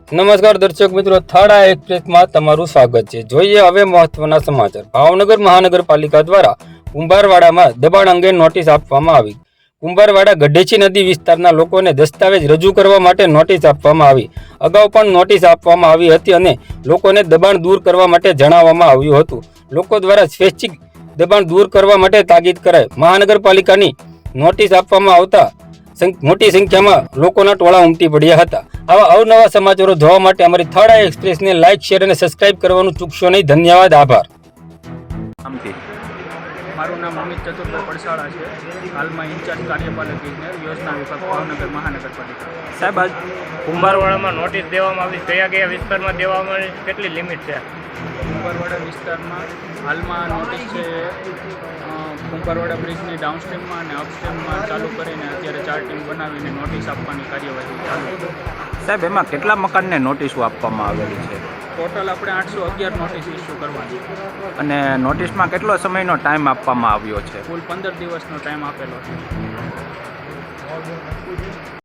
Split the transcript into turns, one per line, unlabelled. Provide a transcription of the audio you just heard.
નમસ્કાર દર્શક મિત્રો, થાળા એક્સપ્રેસમાં તમારું સ્વાગત છે. જોઈએ હવે મહત્વના સમાચાર. ભાવનગર મહાનગરપાલિકા દ્વારા કુંભારવાડામાં દબાણ અંગે નોટિસ આપવામાં આવી. કુંભારવાડા ગઢેચી નદી વિસ્તારના લોકોને દસ્તાવેજ રજૂ કરવા માટે નોટિસ આપવામાં આવી. અગાઉ પણ નોટિસ આપવામાં આવી હતી અને લોકોને દબાણ દૂર કરવા માટે જણાવવામાં આવ્યું હતું. લોકો દ્વારા સ્વૈચ્છિક દબાણ દૂર કરવા માટે તાકીદ કરાઈ. મહાનગરપાલિકાની નોટિસ આપવામાં આવતા મોટી સંખ્યામાં લોકોના ટોળા ઉમટી પડ્યા હતા. આવા અવનવા સમાચારો જોવા માટે અમારી થાળા એક્સપ્રેસને લાઇક, શેર અને સબસ્ક્રાઇબ કરવાનું ચૂકશો નહીં. ધન્યવાદ, આભાર.
મારું નામ અમિત ચતુરભાઈ પડસાળા છે. હાલમાં ઇન્ચાર્જ કાર્યપાલક ઇજનેર યોજના વિભાગ ભાવનગર મહાનગરપાલિકા.
સાહેબ, આજ કુંભારવાડામાં નોટિસ દેવામાં આવી, કયા વિસ્તારમાં દેવામાં આવી, કેટલી લિમિટ છે?
કુંભારવાડા વિસ્તારમાં હાલમાં નોટિસ છે કુંભારવાડા બ્રિજની ડાઉનસ્ટ્રીમમાં અને અપસ્ટ્રીમમાં ચાલુ કરીને અત્યારે 4 ટીમ બનાવીને નોટિસ આપવાની કાર્યવાહી ચાલુ છે.
સાહેબ, એમાં કેટલા મકાનને નોટિસો આપવામાં આવેલી છે?
ટોટલ આપણે 811 નોટિસ ઇસ્યુ કરવાની છે
અને નોટિસમાં કેટલો સમયનો ટાઈમ આપવામાં આવ્યો છે?
કુલ 15 દિવસનો ટાઈમ આપેલો છે.